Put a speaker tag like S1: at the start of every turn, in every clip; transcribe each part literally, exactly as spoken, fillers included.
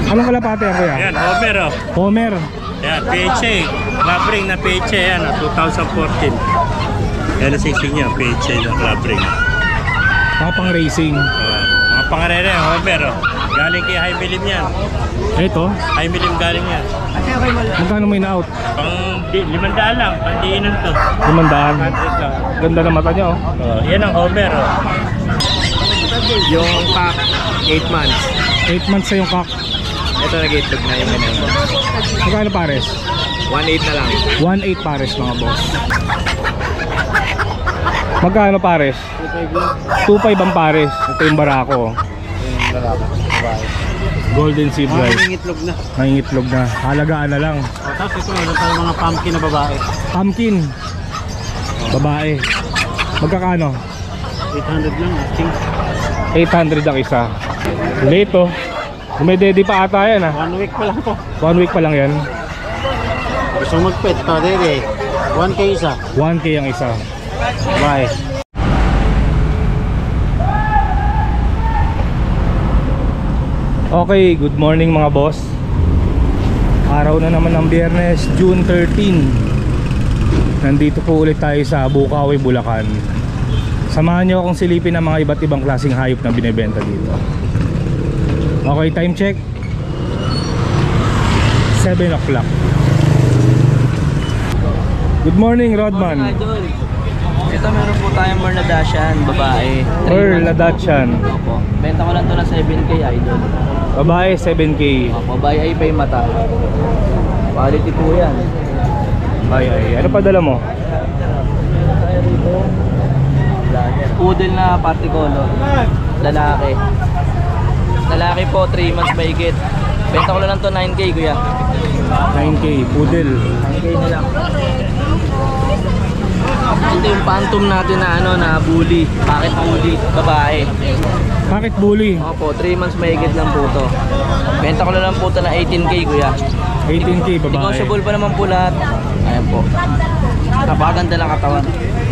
S1: Anong kalapate yan, kuya?
S2: Yan, Homer oh.
S1: Homer.
S2: Yan, P H A. Labring na P H A yan, oh, two thousand fourteen. Yan ang sising niya, P H A na labring.
S1: Mga pang racing.
S2: Uh, mga pangarere, Homer oh. Galing kay High Milim yan.
S1: Ito,
S2: High Milim galing yan.
S1: magkano may na-out?
S2: Pang di, limandaan lang, pandiinan to.
S1: Limandaan.
S2: Hundred lang.
S1: Ganda ng mata niya, oh.
S2: Oh, yan ang Homer oh. Yung pack, eight months.
S1: eight months sa yung cock.
S2: Ito nag-itlog na yung ganyan.
S1: Magkano pares?
S2: one eight na lang.
S1: one eight pares, mga boss. Magkano pares? two five ang pares. Ito yung barako.
S2: Yung lalaki.
S1: Golden Sea Bright.
S2: Nangingitlog na.
S1: Nangingitlog na. Halagaan na lang.
S2: O, tapos ito, meron tayong mga pumpkin na babae.
S1: Pumpkin. Babae. Magkakano?
S2: eight hundred lang, asking.
S1: eight hundred ang isa. Lito. Dumedede pa ata yan, ah.
S2: One week pa lang po.
S1: One week pa lang yan.
S2: Gusto mag-pet to, dede. one K isa.
S1: one K ang isa.
S2: Bye.
S1: Okay, good morning mga boss. Araw na naman ng Biyernes, June thirteen. Nandito po ulit tayo sa Bukawi, Bulacan. Samahan nyo akong silipin ng mga iba't ibang klaseng hayop na binibenta dito. Okay, time check seven o'clock. Good morning, Rodman.
S3: Ito meron po tayong Merladashan, babae.
S1: Or Ladachan.
S3: Opo. Benta ko lang to na seven K, idol.
S1: Babae seven K.
S3: Opo, babae ay pa yung mata. Quality po yan.
S1: Ay ay, ano pa dala mo?
S3: Poodle na party color. Lalaki. Lalaki po, three months mahigit. Benta ko lang to nine K, kuya.
S1: nine K, poodle.
S3: nine K na lang. Ito yung phantom natin na ano, na bully. Bakit bully? Babae.
S1: Bakit bully?
S3: Opo, three months mahigit lang po to. Benta ko lang po to na eighteen K, kuya.
S1: eighteen K, babae.
S3: Negotiable pa naman po lahat. Ayan po. Napakaganda lang katawan.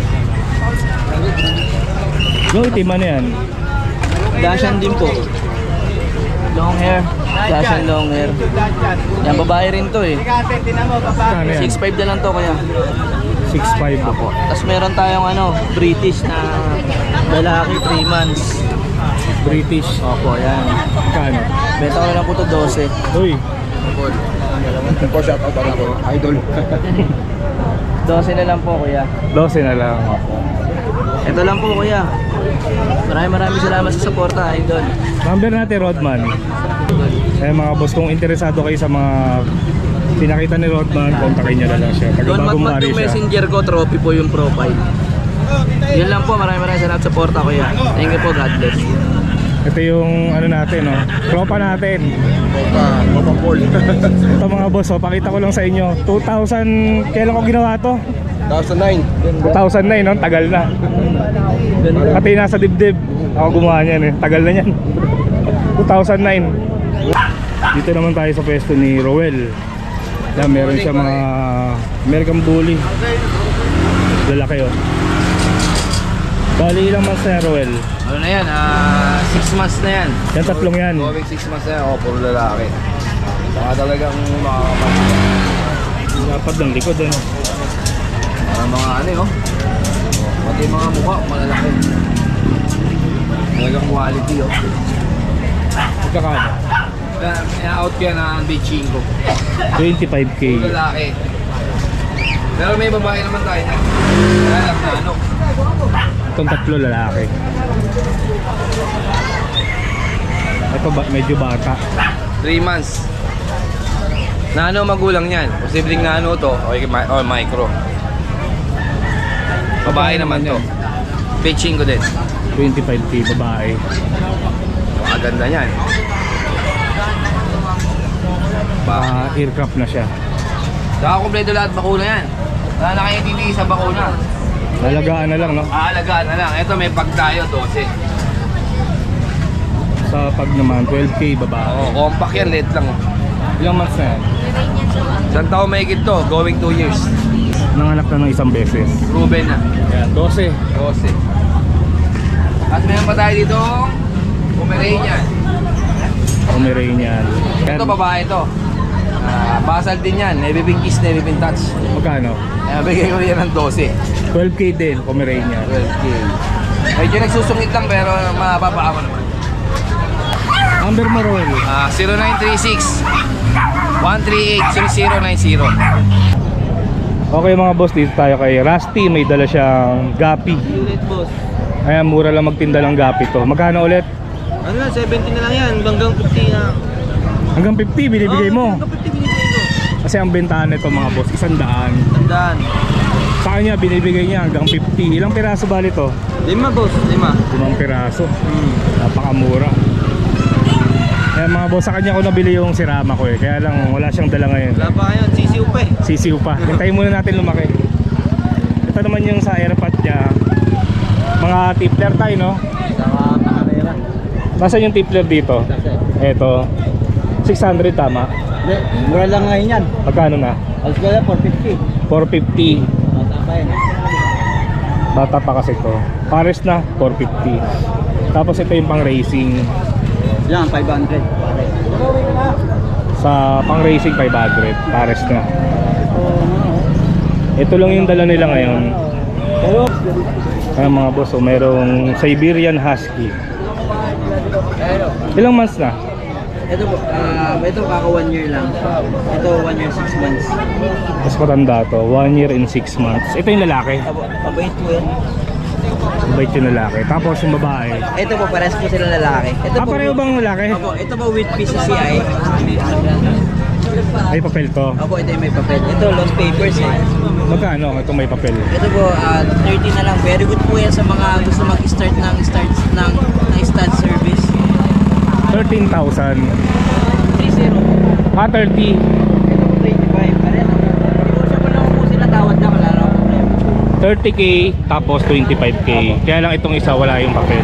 S1: Yung itim ano yan?
S3: Dashan din po. Long hair. Dashan long hair. Yan, babae rin to eh.
S1: Ano yan?
S3: six five na lang to, kuya.
S1: six five
S3: Opo. Tapos meron tayong ano, British na lalaki, three months.
S1: British.
S3: Opo, yan.
S1: Kano?
S3: Benta ko na lang po to twelve.
S1: Uy,
S2: Po, shout out ako. Idol.
S3: twelve na lang po, kuya.
S1: twelve na lang.
S3: Ito lang po, kuya. Maraming maraming salamat sa suporta, idol.
S1: Number natin, Rodman. Eh mga boss, kung interesado kayo sa mga pinakita ni Rodman, kontakin nyo na lang siya. Taga
S3: Don
S1: Bagong
S3: Matmat
S1: Mari
S3: yung
S1: siya.
S3: messenger ko, trophy po yung profile. Yun lang po, maraming maraming salamat sa suporta, kuya. Thank you po, God bless.
S1: Ito yung ano natin, no? Tropa natin.
S2: Opa, Opa Paul.
S1: Ito mga boss, oh, pakita ko lang sa inyo. two thousand, kailan ko ginawa to?
S2: two thousand nine.
S1: two thousand nine, no? Tagal na. Pati nasa dibdib. Ako gumawa niyan eh. Tagal na yan. two thousand nine. Dito naman tayo sa pwesto ni Roel. Yan, meron siya mga American Bully. Lalaki, oh. Bali ilang months na yan, Roel?
S3: Ano na yan? Ah, six months na yan.
S1: Yan, tatlong yan.
S2: Going six months na yan. O, puro lalaki. Baka talagang makakapag.
S1: Dapat ng likod, ano?
S2: Mga mga ano eh, oh. Pati yung mga mukha, malalaki. Talagang quality, oh.
S1: Magkakano?
S2: Na-out kaya na ang bitching ko.
S1: twenty-five K.
S2: Puro lalaki. Pero may babae naman tayo na. Kaya lang na ano.
S1: Itong tatlo lalaki. Ito ba, medyo bata.
S2: three months. Na ano magulang niyan? Posibleng na ano to, o, o micro. Babae naman to. Pitching ko din.
S1: twenty-five K babae.
S2: Ang ganda niyan.
S1: Uh, aircraft na siya.
S2: Saka kompleto lahat bakuna yan. Wala na kayo hindi sa bakuna.
S1: Lalagaan na lang, no?
S2: Aalagaan na lang. Ito may pag tayo, twelve.
S1: Sa pag naman, twelve K babae.
S2: Oo, compact yan, late lang.
S1: Ilang months na yan?
S2: Isang taon may to, going two years.
S1: Nanganak na ng isang beses.
S2: Proven na.
S1: Yan, twelve.
S2: twelve. At meron pa tayo dito, Pomeranian.
S1: Pomeranian.
S3: Ito babae to. Ah, basal din yan. Navy pink kiss, navy pink touch.
S1: Magkano?
S3: Kaya bigay ko yan ng twelve.
S1: twelve K din, Pomeranian.
S3: twelve K. Medyo nagsusungit lang pero mababa ako naman.
S1: Number mo, Roel.
S3: Ah, zero nine three six, one three eight, zero zero nine zero.
S1: Okay mga boss, dito tayo kay Rusty. May dala siyang gapi.
S3: Ulit boss.
S1: Ayan, mura lang magtinda ng gapi to. Magkano ulit?
S3: Ano na, seventy na lang yan. Hanggang fifty na.
S1: Hanggang fifty binibigay mo.
S3: Hanggang fifty binibigay ko.
S1: Kasi ang bentahan nito mga boss, isang daan.
S3: Tandaan.
S1: Sa kanya binibigay niya hanggang fifty. Ilang piraso bali to?
S3: Lima boss, lima.
S1: Limang piraso.
S3: Hmm.
S1: Napakamura. Kaya mga boss, sa kanya ko nabili yung sirama ko eh. Kaya lang wala siyang dala ngayon.
S3: Wala pa ngayon, sisiw pa eh.
S1: Sisiw pa. Hintayin muna natin lumaki. Ito naman yung sa airpot niya. Mga tipler tayo, no?
S3: Saka pakarera.
S1: Nasaan yung tipler dito? Ito. six hundred tama.
S3: Hindi, mura lang ngayon yan.
S1: Magkano na?
S3: Alas ko lang, four fifty.
S1: four fifty.
S3: Mata pa yan.
S1: Bata pa kasi to. Pares na, four fifty. Tapos ito yung pang racing.
S3: Yan, five hundred.
S1: Sa pang racing five hundred. Pares na. Ito lang yung dala nila ngayon. Ayan mga boss, so merong Siberian Husky. Ilang months na?
S3: Ito po, ah, ito kaka one year lang. Ito one year, six months.
S1: Mas matanda to, one year and six months. Ito yung lalaki.
S3: Abo, mabait po yan.
S1: Mabait yung lalaki. Tapos yung babae.
S3: Ito po, pares po sila lalaki. Ito
S1: Ah, pareho bang lalaki?
S3: Opo, ito po with P C C I.
S1: May papel to.
S3: Opo, ito yung may papel. Ito, lost papers eh.
S1: Magkano? Ito may papel.
S3: Ito po, ah, thirty na lang. Very good po yan sa mga gusto mag-start ng start ng, ng stud service.
S1: thirteen thousand.
S3: three zero.
S1: Ah, thirty.
S3: Ito po, twenty-five. Pares. Negotiable lang po sila, tawad na, wala lang problema.
S1: thirty K tapos twenty-five K. Kaya lang itong isa wala yung papel.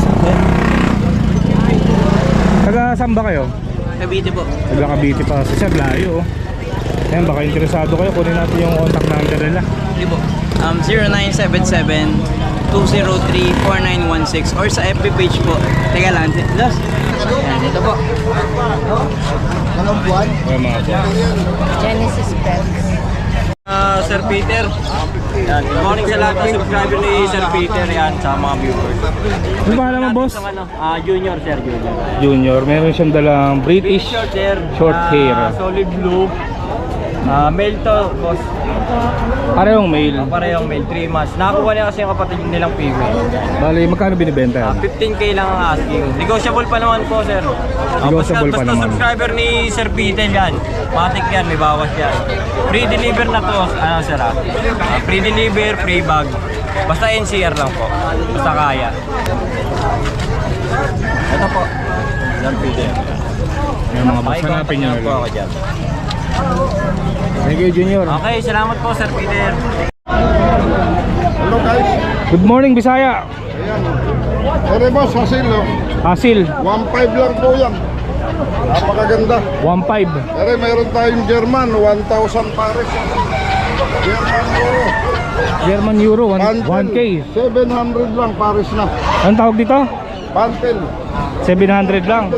S1: Taga saan ba kayo?
S3: Cavite po.
S1: Taga Cavite pa. Kasi layo oh. Ayan, baka interesado kayo. Kunin natin yung contact number nila.
S3: Hindi po. Um, zero nine seven seven, two zero three, four nine one six or sa F B page po. Teka lang. Los. Ayan, ito po.
S1: Ayan mga boss.
S4: Genesis Pets.
S2: Ah, Sir Peter. Yan. Good morning sa lahat ng subscriber ni Sir Peter yan sa mga viewers.
S1: Ano ba alam mo boss?
S2: Isang ano, ah, junior sir, junior.
S1: Junior. Meron siyang dalang British
S2: Short hair.
S1: short
S2: ah,
S1: hair.
S2: Solid blue. Ah, male to, boss.
S1: Parehong male.
S2: Ah, parehong male, three months. Nakakuha niya kasi yung kapatid nilang female.
S1: Bali, magkano binibenta
S2: Ah,
S1: yan?
S2: fifteen K lang ang asking. Negotiable pa naman po, sir. Ah,
S1: Negotiable
S2: basta,
S1: pa
S2: basta
S1: naman.
S2: subscriber ni Sir Peter yan. Matik yan, may bawas yan. Free deliver na to, ano sir ah. Ah, free deliver, free bag. Basta N C R lang po. Basta kaya. Ito po. Sir Peter.
S1: Yung mga boss, hanapin nyo na
S2: po
S1: lang.
S2: ako dyan.
S1: Thank you, Junior.
S2: Okay, salamat po Sir Peter.
S5: Hello guys.
S1: Good morning, Bisaya.
S5: Ayan. Ere boss, hasil no?
S1: Hasil,
S5: one five lang po yan. Napakaganda.
S1: one five.
S5: Ere, mayroon tayong German, one thousand pares. German Euro.
S1: German Euro, one K.
S5: seven hundred lang pares na.
S1: Anong tawag dito?
S5: Pantel.
S1: seven hundred lang.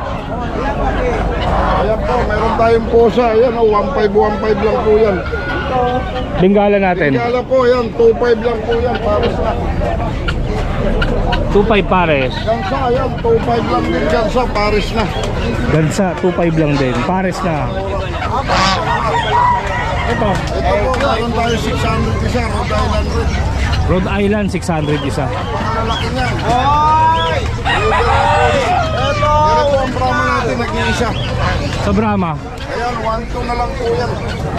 S5: Ayan po, mayroon tayong posa. Ayan o, one five, one five lang po yan.
S1: Bengala natin.
S5: Kala po yan, two five lang po yan, pares na.
S1: two five pares.
S5: Gansa, ayan, two five lang din gansa, pares na.
S1: Gansa, two five lang din. Pares na. Ito,
S5: Ito po, mayroon tayo six hundred isa, Rhode Island rin.
S1: Rhode Island, six hundred isa.
S5: Malaki niyan. Hoy! Ito! Ito po ang Brahma natin, nag-iisa.
S1: Sa Brahma,
S5: Ayan, one two na lang po yan.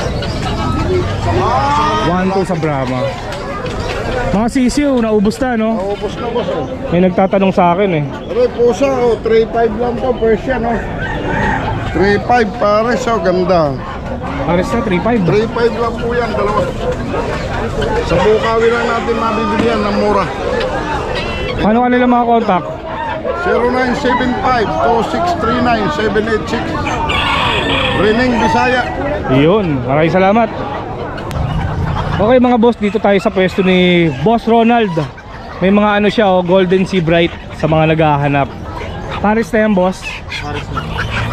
S1: one two sa Brahma. Mga sisiw, naubos na, no?
S5: Naubos na boss oh.
S1: May nagtatanong sa akin eh.
S5: Pero pusa oh, three five lang po, Persian oh. three five pares oh, ganda.
S1: Pares na, three five.
S5: three five lang po yan, dalawa. Sa Bukawi lang natin mabibili yan ng mura.
S1: Paano ka nila mga contact?
S5: zero nine seven five, two six three nine, seven eight six. Reneng Bisaya.
S1: Yun, maraming salamat. Okay mga boss, dito tayo sa pwesto ni Boss Ronald. May mga ano siya, oh, Golden Sea Bright sa mga naghahanap. Paris na yan boss.
S6: Pares na.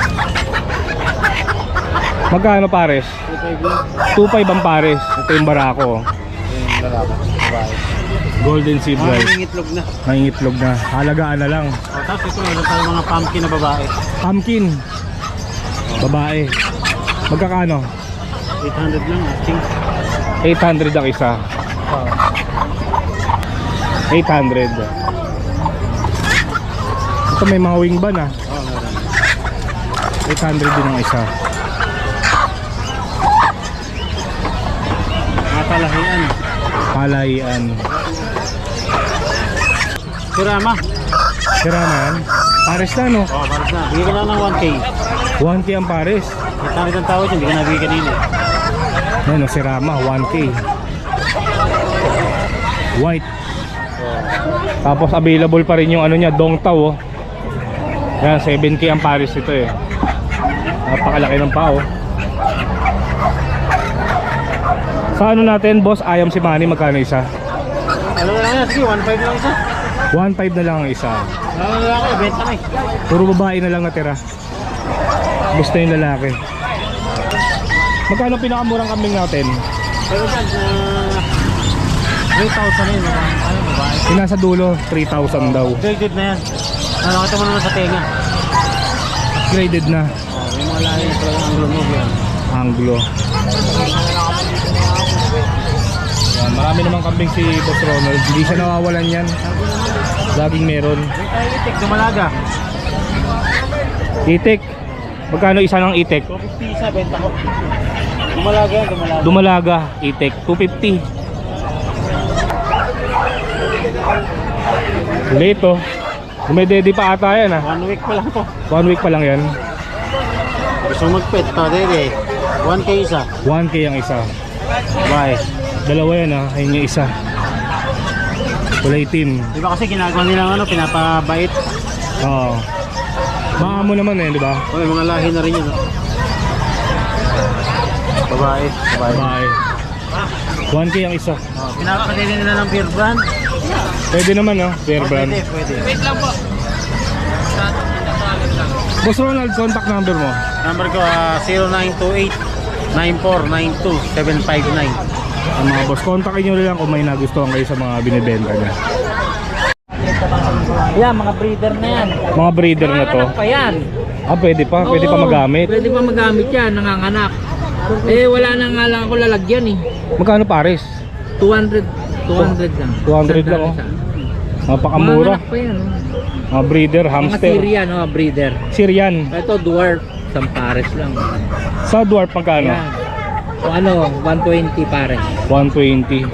S1: Magkano pares? two five ang pares. Ito yung barako.
S6: Yung lalaki, babae.
S1: Golden seed
S6: Mga
S1: rice.
S6: nangingitlog na.
S1: Nangingitlog na. Halagaan na lang.
S6: O, tapos ito, meron tayo mga pumpkin na babae.
S1: Pumpkin. Babae. Magkakano?
S6: eight hundred lang, asking.
S1: eight hundred ang isa. eight hundred. Ito may mga wing ban ah.
S6: Oo, meron.
S1: eight hundred din ang isa.
S6: Mga talahian.
S1: Palayan.
S6: Sirama.
S1: Sira na yan. Pares na no?
S6: Oo, pares na. Bigyan ko lang ng one K.
S1: one K ang pares.
S6: eight hundred ang tawad yun, hindi ka nabigyan kanina.
S1: Yan o, si Rama, one K. White. Tapos available pa rin yung ano niya, Dong Tao oh. Yan, seven K ang pares ito eh. Napakalaki ng pao. Sa ano natin, boss, ayam si Manny, magkano isa?
S6: Ano na lang yan, sige, one five lang isa.
S1: one five na lang ang isa.
S6: Ano na lang ako, benta na eh.
S1: Puro babae na lang natira. Gusto yung lalaki. Magkano pinakamurang kambing natin?
S6: Pero dyan, uh, three thousand na yun, mga, ano, babae.
S1: Yung nasa dulo, three thousand daw.
S6: Graded na yan. Ano, kita mo naman sa tenga.
S1: Graded na.
S6: Oh, may mga lahi na talagang anglo move yan.
S1: Anglo. Yan, marami namang kambing si Boss Ronald. Hindi siya nawawalan yan. Laging meron.
S6: May tayo itik, dumalaga.
S1: Itik. Magkano isa ng itik?
S6: two fifty isa, benta ko. Dumalaga yan, dumalaga.
S1: Dumalaga, itik. two fifty. Late oh. Dumedede pa ata yan ah.
S6: One week pa lang to.
S1: One week pa lang yan.
S6: Gusto mag-pet to, dede. one K isa.
S1: one K ang isa.
S6: Bye.
S1: Dalawa yan ah. Ayun yung isa. Kulay itim.
S6: Di ba kasi ginagawa nilang ano, pinapabait.
S1: Oo. Maamo naman eh, di ba?
S6: O, may mga lahi na rin yun. Oh. Babae. Babae.
S1: Babae. one K ang isa.
S6: Oh, pinapakadili nila ng beer brand.
S1: Pwede naman ah, fair
S6: Oh,
S1: brand.
S6: pwede, pwede.
S1: Boss Ronald, contact number mo.
S6: Number ko, uh, zero nine two eight, nine four nine two, seven five nine.
S1: Ang mga boss, kontakin nyo lang kung may nagustuhan kayo sa mga binibenta niya.
S3: Yan, mga breeder na yan.
S1: Mga breeder na to.
S3: Nanganganak pa yan.
S1: Ah, pwede pa, pwede pa
S3: Oo,
S1: magamit.
S3: Pwede pa magamit yan, nanganganak. Eh, wala na nga lang ako lalagyan eh.
S1: Magkano pares?
S3: two hundred. two hundred lang.
S1: two hundred lang, oh.
S3: Isa.
S1: Napakamura.
S3: Manganak pa yan. Oh.
S1: Mga breeder,
S3: Mga
S1: hamster.
S3: Syrian, oh, breeder.
S1: Syrian.
S3: Ito, dwarf. Isang pares lang.
S1: Sa dwarf magkano?
S3: Yan. O ano, one twenty pares.
S1: one twenty.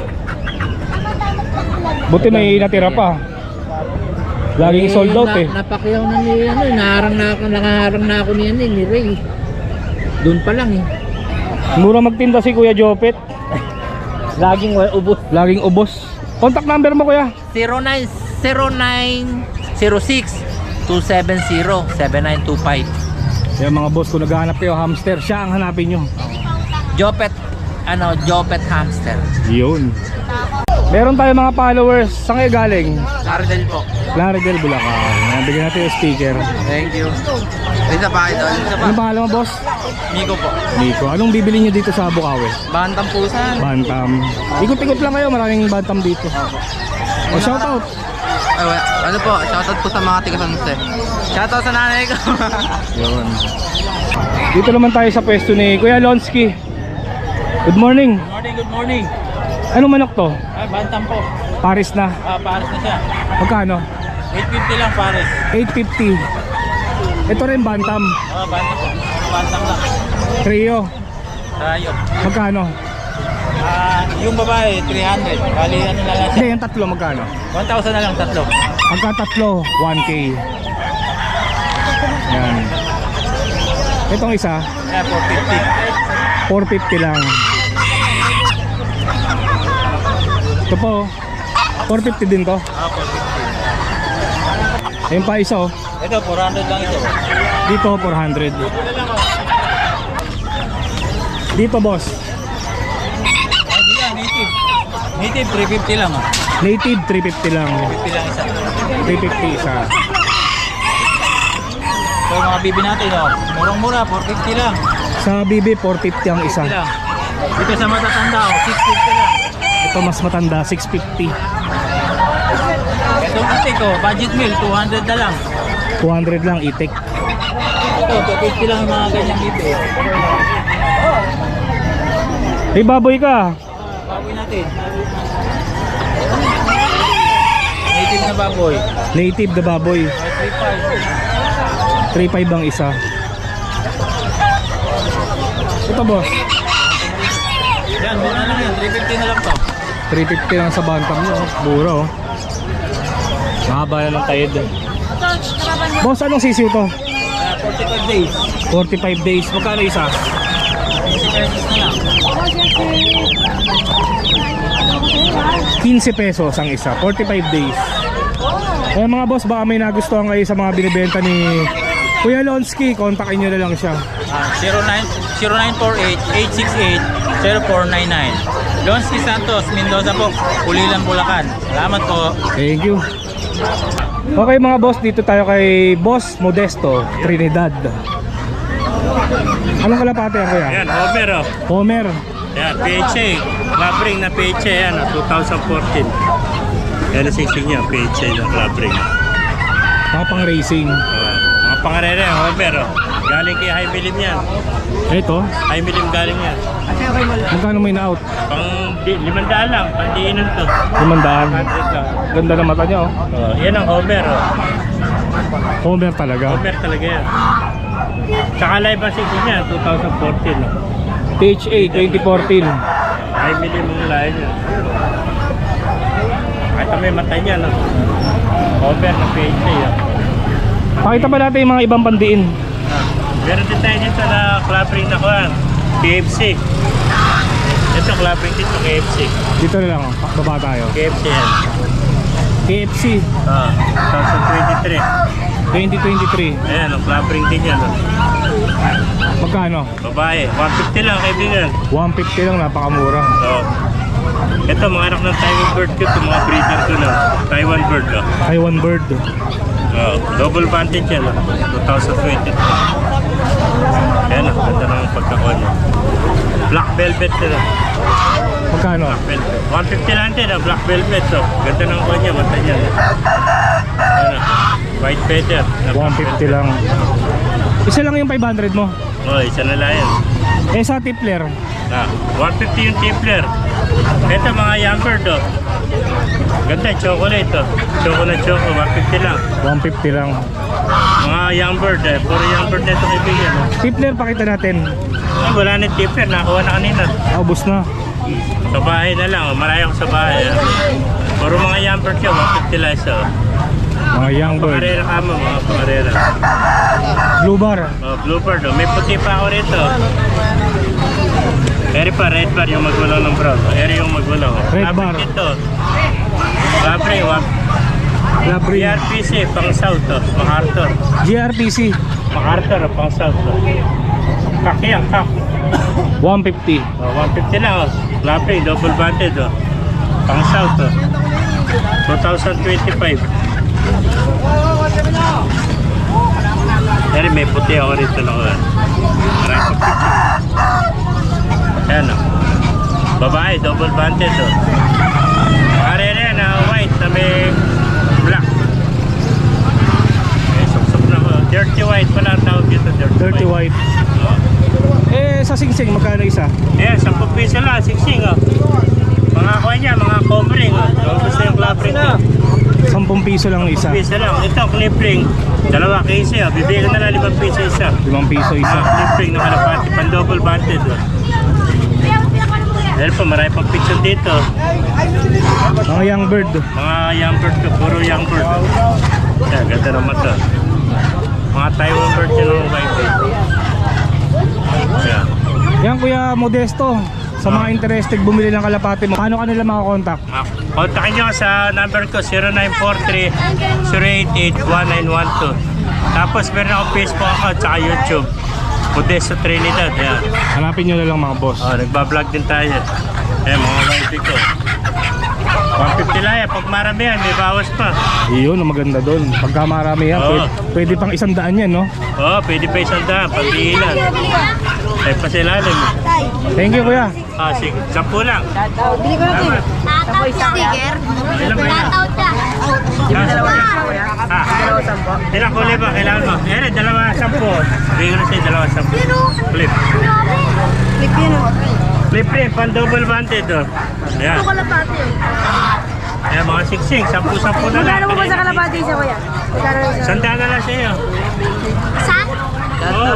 S1: Buti may natira pa. Laging sold out eh.
S3: Na, napakyaw na ni ano, eh, naharang na ako, nakaharang na ako niyan eh, ni Ray. Doon pa lang eh.
S1: Mura magtinda si Kuya Jopet.
S3: Laging wa- ubos.
S1: Laging ubos. Contact number mo kuya.
S3: zero nine zero nine zero six two seven zero seven nine two five.
S1: Yung mga boss, kung naghahanap kayo hamster, siya ang hanapin nyo.
S3: Jopet, ano, Jopet hamster.
S1: Yun. Meron tayo mga followers. Saan kayo galing?
S3: Cardel po.
S1: Laredel, Bulacan. Nabigyan natin yung speaker.
S3: Thank you. Isa pa ito, isa pa.
S1: Ano pangalan mo, boss?
S3: Nico po.
S1: Nico. Anong bibili nyo dito sa Bukawi?
S3: Bantang pusan.
S1: Bantam. Ikot-ikot lang kayo, maraming bantam dito. O, shoutout.
S3: Ay, wala. Ano po, shoutout po sa mga tiga-sanse. Shoutout sa nanay ko.
S1: Yun. Dito naman tayo sa pwesto ni Kuya Lonsky. Good morning.
S6: Good morning, good morning.
S1: Anong manok to?
S6: Ay, bantam po.
S1: Paris na.
S6: Ah, pares na siya.
S1: Magkano?
S6: eight fifty lang pares.
S1: eight fifty. Ito rin bantam.
S6: Ah, bantam po. Bantam lang.
S1: Trio.
S6: Tayo.
S1: Magkano?
S6: Ah, yung babae, three hundred. Bali, ano na lang siya.
S1: Hindi, yung tatlo magkano?
S6: one thousand na lang tatlo.
S1: Pagka tatlo, one K. Yan. Itong isa,
S6: Ayan, four fifty.
S1: four fifty lang. Ito po, four fifty din to.
S6: Ah, four fifty.
S1: Ayun pa isa oh.
S6: Ito, four hundred lang ito.
S1: Dito, four hundred. Dito boss,
S6: Ay, di yan, native. Native, three fifty lang ah.
S1: native three fifty lang.
S6: fifty lang isa.
S1: three fifty isa.
S3: So mga bibi natin, oh. Murang-mura, four fifty lang.
S1: Sa B B, four fifty ang isa.
S3: Lang. Ito sa matatanda, oh, six fifty lang.
S1: Ito mas matanda, six fifty.
S3: Ito itik, oh, budget meal, two hundred na lang.
S1: two hundred lang itik.
S3: Ito, two fifty lang yung mga ganyang bibi.
S1: Hey, baboy ka.
S3: Baboy natin. Native na baboy.
S1: Native na baboy. three five ang isa. Ito boss,
S3: Yan, mura lang yan, three fifty na lang to.
S1: three fifty lang sa bantam nyo. Mura oh. Mahaba na ng tayed. Boss, anong sisiw to?
S3: Uh, forty-five days.
S1: forty-five days. Magkano isa?
S3: fifty pesos na lang.
S1: fifteen pesos ang isa. forty-five days. Eh mga boss, baka may nagustuhan kayo sa mga binibenta ni Kuya Lonsky. Kontakin nyo na lang siya.
S3: Ah, zero nine four eight, eight six eight, zero four nine nine. Lonsky Santos, Mendoza po, Pulilan, Bulacan. Salamat po.
S1: Thank you. Okay mga boss, dito tayo kay Boss Modesto, Trinidad. Anong kalapate yan kuya?
S6: Yan, Homer oh.
S1: Homer.
S6: Yan, P H A. Club ring na P H A yan, oh, twenty fourteen. Yan ang sisig niya, P H A na club ring.
S1: Tapang racing.
S6: Uh, mga pangarere, Homer oh. Galing kay High Milim yan.
S1: Ito,
S6: High Milim galing yan.
S1: magkano may na-out?
S6: Pang di, limandaan lang, pang diinan to.
S1: Limandaan.
S6: Hundred lang.
S1: Ganda ng mata niya oh.
S6: Oh, yan ang Homer oh.
S1: Homer talaga.
S6: Homer talaga yan. Tsaka live ang sisig niya, twenty fourteen oh.
S1: P H A twenty fourteen.
S6: High Milim ang layo niya. Kahit may mata niya no. Homer na P H A oh.
S1: Pakita ba natin yung mga ibang pandiin?
S6: Ah, meron din tayo dito na club ring na kuhan, K F C. Ito club ring dito, K F C.
S1: Dito na lang oh. Baba tayo.
S6: K F C yan.
S1: K F C
S6: Ah, twenty twenty-three.
S1: twenty twenty-three.
S6: Ayan, ang club ring din yan. No?
S1: Magkano?
S6: Babae, one fifty lang kaibigan.
S1: one fifty lang, napakamura.
S6: So, ito mga anak ng Taiwan bird ko, ito mga breeder ko na. Taiwan bird. Oh.
S1: Taiwan bird.
S6: Oh, double vantage yan. Oh. twenty twenty-two. Ayan, ang ganda ng pagkakuha niya. Black velvet na.
S1: Magkano?
S6: Velvet. one fifty lang din, ah, black velvet. So, ganda ng kuha niya, mata niya. Ayan, ah, white feather. na
S1: one
S6: black
S1: fifty
S6: velvet.
S1: lang. Isa lang yung five hundred mo.
S6: Oh, isa na lang yan.
S1: Eh sa tipler,
S6: Ah, one fifty yung tipler. Ito mga young bird, oh. Ganda, chocolate, oh. Chocolate choco, one fifty lang.
S1: one fifty lang.
S6: Mga young bird, eh. Puro young bird na ito kaibigan, oh.
S1: Tipler, pakita natin.
S6: Ay, wala na yung tipler, nakuha na kanina.
S1: Ah, ubos na.
S6: Sa bahay na lang, oh. Malayo ko sa bahay, ah. Puro mga young bird siya, one fifty lang isa, oh.
S1: Mga young bird.
S6: Pangarera ka mo, mga pangarera.
S1: Blue bar.
S6: Oh, bluebird, oh. May puti pa ako rito. Eri pa, red bar yung magulaw ng brown. Eri yung magulaw.
S1: Red bar.
S6: Ito. Labre, wag.
S1: Labri.
S6: B R P C, pang south, oh. MacArthur.
S1: G R P C.
S6: MacArthur, oh, pang south, oh. Kak yan, kak.
S1: one fifty.
S6: Oh, one fifty lang, oh. Labre, double banded, oh. Pang south, oh. twenty twenty-five. Eri, may puti ako rito na ko. Maraming pagpicture. Ayan, oh. Babae, double banded, oh. Karere na white na may black. May suksok na ko. Dirty white pala ang tawag dito. Dirty,
S1: Dirty white.
S6: Oh.
S1: Eh sa singsing, magkano isa?
S6: Ayan, ten piso lang, siksing, oh. Mga kuha niya, mga covering, oh. Kung gusto yung club ring ko.
S1: ten piso lang ang isa.
S6: ten piso lang. Ito, clip ring. Dalawa case, oh. Bibigyan na lang limang piso isa.
S1: limang piso
S6: Ah,
S1: isa.
S6: clip ring na kalapati, pan double banded, oh. Dahil po, marami pang picture dito.
S1: Mga young bird.
S6: Mga young bird ko, puro young bird. Yan, ganda naman to. Mga Taiwan bird yun ang white. Yan.
S1: Yan Kuya Modesto. Sa mga interested bumili ng kalapate mo, paano ka nila makakontakt?
S6: Ah, kontakin nyo sa number ko zero nine four three, zero eight eight, one nine one two. Tapos meron ako Facebook account at YouTube. Modesto Trinidad. Yan.
S1: Hanapin nyo na lang mga boss.
S6: Oh, nagbablog din tayo. Eh, mga wifi ko. one fifty lang yan. Pag marami yan, may bawas pa.
S1: Iyon, ang maganda doon. Pagka marami yan,
S6: Oo.
S1: pwede, pwede pang isang daan yan, no?
S6: Oo, pwede pa isang daan. Pagbihilan. Ay, pasilalim.
S1: Thank you, kuya.
S6: Ah, sige. Sampu lang.
S4: Bili ko natin.
S6: Tama.
S4: Sticker.
S6: Ilan ba yan? Ah, ilang kulay ba? Kailangan mo? Yan, dalawa sampu. Bigyan ko na sa'yo, dalawa sampu. Flip.
S4: Clip yun o.
S6: Flip flip, pan double banded oh. Ayan.
S4: Ito kalapati eh.
S6: Ayan, mga siksing. Sampu-sampu na lang.
S4: Magkano mo ba sa kalapati siya kuya? Magkano isa?
S6: Sandaan na lang sa'yo.
S4: Saan?
S6: Oo.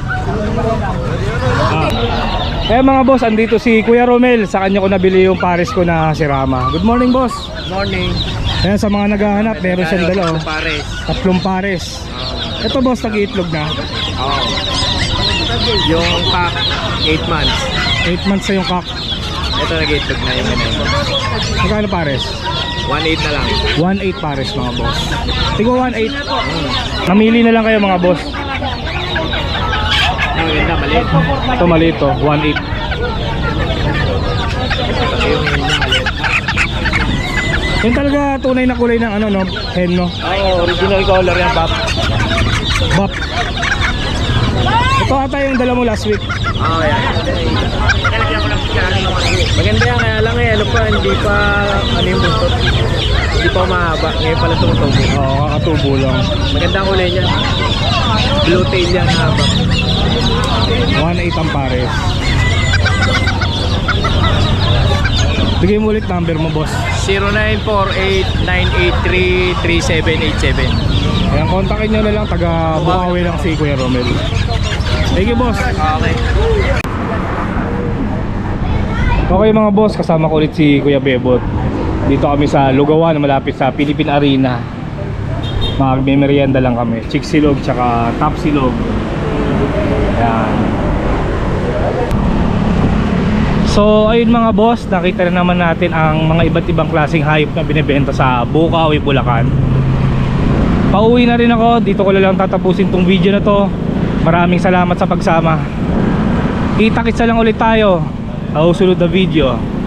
S1: Eh mga boss, andito si Kuya Romel. Sa kanya ko nabili yung pares ko na si Rama. Good morning, boss.
S3: Morning.
S1: Ayan, sa mga naghahanap, meron siyang dala, oh.
S3: Pares.
S1: Tatlong pares. Ito, boss, nag-iitlog na.
S3: Oo. Yung pack, eight months.
S1: eight months na yung cock.
S3: Ito nag-itlog na yung ganyan.
S1: Magkano pares?
S3: one eight na lang.
S1: one eight pares, mga boss. Tigo one eight. Namili na lang kayo, mga boss.
S3: Ang maganda, maliit.
S1: Ito maliit, oh. one eight.
S3: Pati yung yun yung maliit.
S1: Yung talaga tunay na kulay ng ano, no? Hen, no?
S3: Oo, original color yan, Pap.
S1: Bop. Ito ata yung dala mo last week.
S3: Oo, yan. Maganda yan, kaya lang eh, ano pa, hindi pa, ano yung buntot. Hindi pa mahaba, ngayon pala tumutubo.
S1: Oo, kakatubo lang.
S3: Maganda ang kulay niya. Blue tail yan, haba.
S1: one eight ang pares. Bigay mo ulit number mo, boss.
S3: zero nine four eight nine eight three three seven eight seven.
S1: Ayan, kontakin nyo na lang. Taga Bukawi lang si Kuya Romel. Thank you, boss.
S3: Okay.
S1: Okay mga boss, kasama ko ulit si Kuya Bebot. Dito kami sa Lugawan, malapit sa Philippine Arena. Magme-merienda lang kami. Chick silog tsaka top silog. Ayan. So ayun mga boss, nakita na naman natin ang mga iba't ibang klaseng hayop na binibenta sa Bukawi, Bulacan. Pauwi na rin ako, dito ko na lang tatapusin tong video na to. Maraming salamat sa pagsama. Kita-kitsa lang ulit tayo sa susunod na video.